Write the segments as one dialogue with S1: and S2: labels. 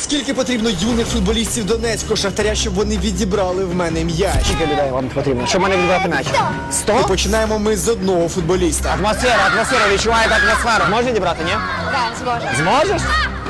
S1: Скільки потрібно юних футболістів Донецького Шахтаря, щоб вони відібрали в мене м'яч?
S2: Скільки людей вам потрібно, щоб мене відбрати м'яч? 100?
S1: І починаємо ми з одного футболіста.
S2: Атмосфера, відчуваєте атмосферу. Можеш відібрати, ні?
S3: Так, зможу.
S2: Зможеш?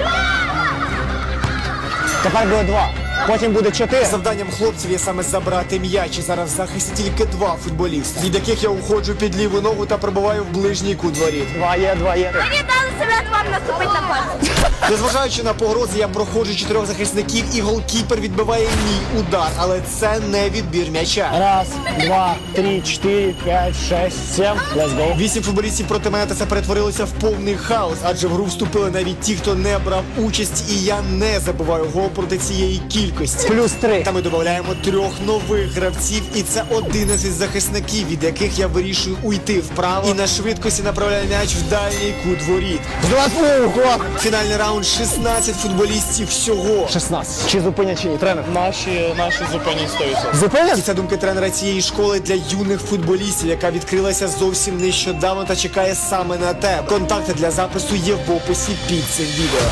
S2: Тепер буде 2. Потім буде 4.
S1: Завданням хлопців є саме забрати м'яч. І зараз в захисті тільки 2 футболісти, від яких я уходжу під ліву ногу та пробиваю в ближній кут воріт.
S2: 2 є.
S3: Мені дали себе вам наступити на пас.
S1: Незважаючи на погрози, я проходжу 4 захисників і голкіпер відбиває мій удар. Але це не відбір м'яча.
S2: Раз, 2, 3, 4, 5, 6, 7. Let's go.
S1: 8 футболістів проти мене, та це перетворилося в повний хаос, адже в гру вступили навіть ті, хто не брав участь, і я не забиваю гол проти цієї кількості.
S2: Плюс 3.
S1: Та ми додаємо 3 нових гравців, і це 11 захисників, від яких я вирішую уйти вправо і на швидкості направляю м'яч в дальній кут воріт. Фінальний раунд 16 футболістів всього.
S2: 16. Чи зупинять, чи ні? Тренер?
S4: Наші зупинять 100%.
S2: Зупинять?
S1: І це думки тренера цієї школи для юних футболістів, яка відкрилася зовсім нещодавно та чекає саме на тебе. Контакти для запису є в описі під цим відео.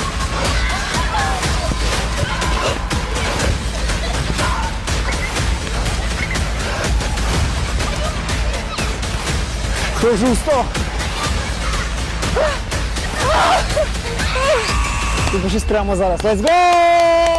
S2: Хожу 100. Ти пишись прямо зараз. Let's go!